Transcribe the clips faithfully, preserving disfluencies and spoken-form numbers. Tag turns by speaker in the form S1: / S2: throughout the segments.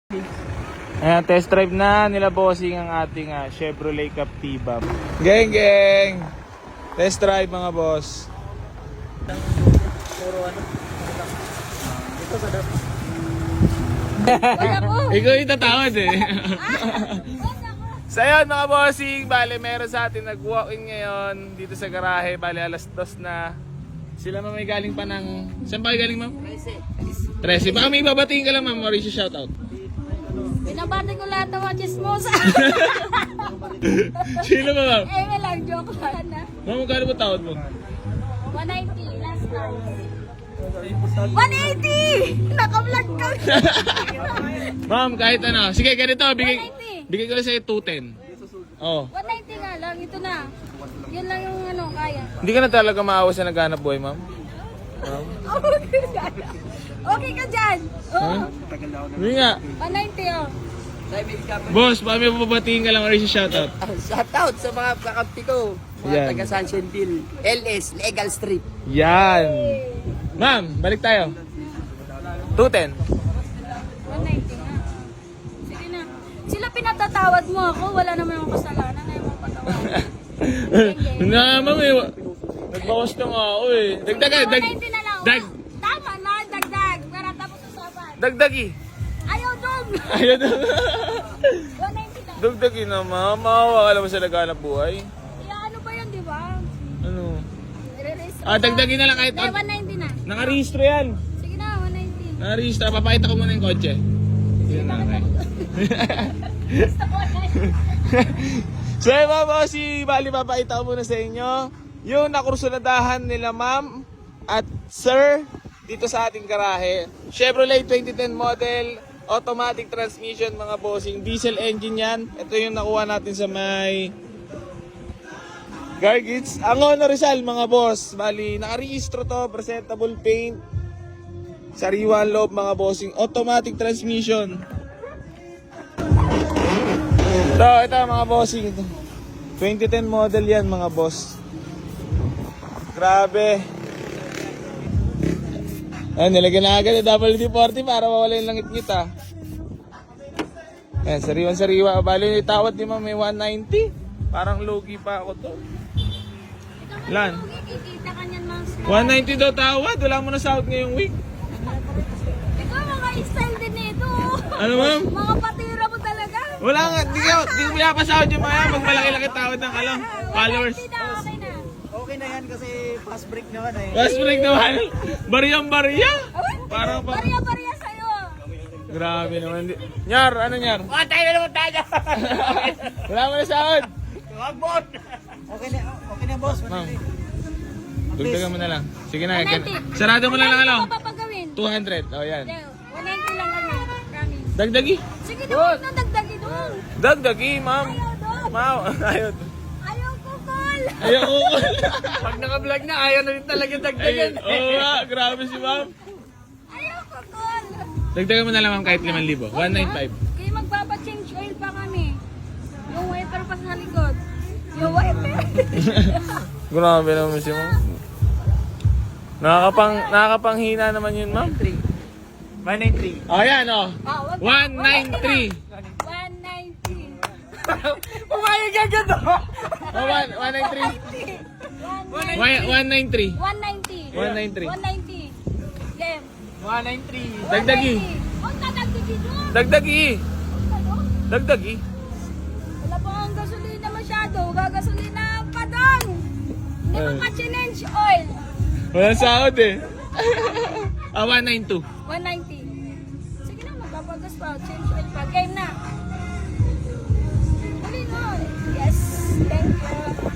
S1: Ayan, test drive na nila bossing ang ating uh, Chevrolet Captiva. Geng, geng! Test drive mga boss.
S2: Puro ano? Ito sa dapat.
S1: Ikaw yung tatawad eh. So yun mga bossing, bale meron sa atin nag-walk-in ngayon dito sa garahe. Bale alas dos na. Sila ma'am may galing pa ng... Saan ba galing ma'am?
S2: Trece.
S1: Trece. Baka may babatiin ka lang ma'am, Mauricio shoutout.
S3: Binabati ko lahat ng mga chismosa.
S1: Sino ba ma'am?
S3: Eh, may lang joke lang na.
S1: Ma'am, magkano ba tawad mo?
S3: one ninety last time. one eighty! Naka-vlog ka.
S1: Ma'am, kahit ano. Sige, ganito. Bigay,
S3: one ninety.
S1: bigay ko lang sa'yo two ten. Oh.
S3: one ninety nga lang, ito na. Yun lang yung ano, kaya.
S1: Hindi ka na talaga maawa sa naghanap buhay, ma'am? Ma'am?
S3: Okay ka dyan. Okay ka dyan. Oo.
S1: Huh? Hindi nga.
S3: one ninety oh.
S1: Boss, baka may papatiin ka lang or shoutout.
S2: Shoutout sa mga kakampi ko. Mga
S1: Yan.
S2: taga Sunshine L S, Legal Street.
S1: Yan. Ma'am, balik tayo. two ten.
S3: one ninety nga. Sige na. Sila pinatatawad mo ako, wala naman akong kasalanan. Ayaw mo patawad.
S1: Na, ma'am, eh. Nagbawas na nga ako eh. Dagdagan, dag...
S3: one ninety na lang.
S1: Dag...
S3: Tama na, dagdag. Para tapos usapan.
S1: Dagdagi.
S3: Ayaw dong.
S1: Ayun na.
S3: one ninety lang.
S1: Dagdagi na, ma'am. Maawa ka naman sa naghanap buhay.
S3: Kaya ano ba yun, di ba?
S1: Ano?
S3: Nire-risk
S1: Ah, dagdagin na lang kahit...
S3: Hindi, one ninety na.
S1: Nakarehistro yan.
S3: Sige na, one ninety.
S1: Nakarehistro. Papakita ko muna yung kotse. Yun na, okay.
S3: Gusto ko na yun.
S1: So yun mga bossy, bali papakita ko muna sa inyo yung nakursunadahan nila ma'am at sir dito sa ating garahe. Chevrolet twenty ten model, automatic transmission mga bossing, diesel engine yan. Ito yung nakuha natin sa may Gargits. Ang Honor Rizal mga boss, bali nakarehistro to, presentable paint, sariwa ang loob mga bossing, automatic transmission. Ito, ito mga bossing. twenty ten model yan mga boss. Grabe. Ayan, nilagyan na agad yung W D forty para mawala yung langit-ngit ah. Ayan, sariwan-sariwa. Bali yung tawad ni ma'am may one ninety. Parang logi pa ako to. Lan?
S3: Kikita ka niyan mga smart.
S1: one ninety daw tawad. Wala mo na sahod ngayong week.
S3: Ikaw mga style din nito.
S1: Ano ma'am?
S3: Mga patira mo talaga.
S1: Wala nga. Di ko, di ko pinapasahod yung mga yan. Pag malaki-laki tawad ng alam. Followers.
S3: Hindi na, okay na.
S2: Okay na yan kasi fast break naman eh.
S1: Last break naman. Bariyang-bariya. Parang pa...
S3: Bariya-bariya sa'yo.
S1: Grabe naman. Di- Nyar, ano nyar?
S2: Mga tayo na naman tayo!
S1: Wala mo na sahod.
S2: Wag mo! Okay na, okay na boss.
S1: Ma'am. Dugdagan mo na lang. Sige na.
S3: one ninety.
S1: gan- Sarado mo na lang ano.
S3: Ano pa papagawin?
S1: two hundred. O yan.
S3: Hindi, one ninety lang kami. Promise.
S1: Dagdagi.
S3: Sige doon, na dagdagi doon.
S1: Dagdagi, ma'am.
S3: Ayaw doon.
S1: Ma'am. Ayaw.
S3: Ayaw ko, call.
S1: Ayaw ko.
S2: Pag naka-vlog na, ayaw na rin talaga
S1: Ayun.
S2: dagdagan.
S1: Oo nga. Grabe si ma'am.
S3: Ayaw ko, call.
S1: Dagdagan mo na lang ma'am kahit limang libo. one ninety-five.
S3: Kaya magpapa-change oil pa kami. Yung wiper pa sa likod. Yung wiper.
S1: Grabe naman si ma'am. Nakakapang, nakakapanghina naman yun ma'am.
S2: one ninety-three.
S1: O yan o.
S3: Ah, wag-
S1: one ninety-three.
S3: one ninety.
S2: Pumayag agad oh!
S1: Oh, one- 193.
S3: one
S1: one ninety-three.
S3: one ninety.
S1: one ninety-three.
S3: one ninety. Game.
S2: one ninety-three.
S1: Dagdagi.
S3: Huwag ka dagdagi doon.
S1: Dagdagi.
S3: Ano?
S1: Dagdagi.
S3: Wala pa ang gasolina masyado. Gagasolina pa doon. Hindi
S1: Eh.
S3: mo ka-change oil.
S1: Walang sahod eh. Ah, one ninety-two.
S3: one ninety. Sige na, magpapagas pa. Change oil pa. Game na. Huli no. Yes. Thank you.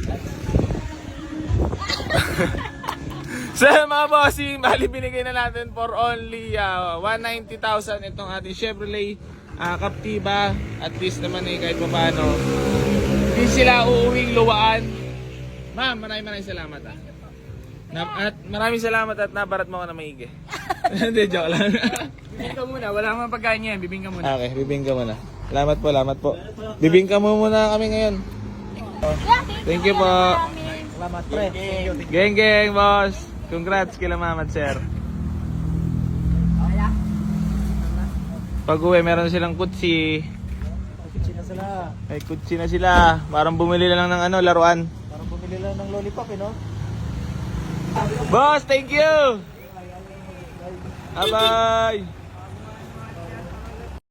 S1: So mga bossing, bali binigay na natin for only uh, one hundred ninety thousand itong ating Chevrolet uh, Captiva. At least naman eh kahit pa paano hindi sila uuwing luwaan. Ma'am, maraming maraming salamat ah. Na, at maraming salamat at nabarat mo ako na maigi. Hindi, joke lang.
S2: Bibing ka muna, wala naman pagkain yan. Bibing ka muna.
S1: Okay, bibingka mo na. Salamat po, salamat po. Bibingka mo muna kami ngayon. Thank you po.
S2: Salamat pre.
S1: Geng geng boss. Congrats kila mama at sir. Pag uwi, meron silang kutsi.
S2: Kutsi na sila.
S1: May kutsi na sila. Parang bumili lang ng ano, laruan.
S2: Parang bumili lang ng lollipop eh, no?
S1: Boss, thank you! Bye-bye!